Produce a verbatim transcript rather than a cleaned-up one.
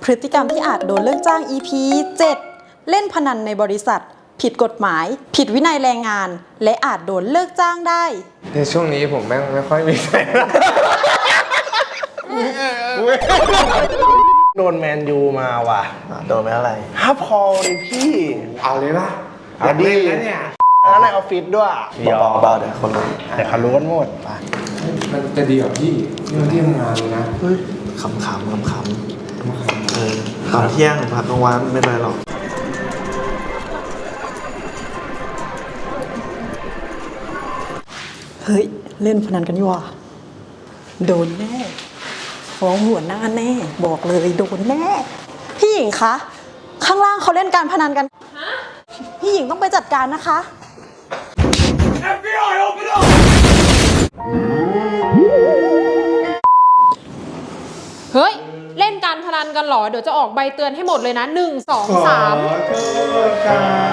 พฤติกรรมที่อาจโดนเลิกจ้าง อี พี เจ็ด เล่นพนันในบริษัทผิดกฎหมายผิดวินัยแรงงานและอาจโดนเลิกจ้างได้ในช่วงนี้ผมแม่งไม่ค่อยมีใครโดนแมนยูมาว่ะโดนไปเท่าไหร่ฮับพอลเลยพี่เอาเลยป่ะเอาดิแล้วเนี่ยแล้วในออฟฟิศด้วยเบาๆเดี๋ยวคนรู้แต่เขารู้กันหมดไปมันจะดีกว่าพี่นี่มันที่ทำงานเลยนะเฮ้ยขำๆขำๆเออตอนเที่ยงพักกลางวันไม่เป็นไรหรอกเฮ้ยเล่นพนันกันอยู่ว่ะโดนแน่ฟ้องหัวหน้าแน่บอกเลยโดนแน่พี่หญิงคะข้างล่างเขาเล่นการพนันกันพี่หญิงต้องไปจัดการนะคะเอฟ บี ไอ open up เฮ้ยเล่นการพนันกันเหรอเดี๋ยวจะออกใบเตือนให้หมดเลยนะหนึ่ง สอง สามขอโทษครับ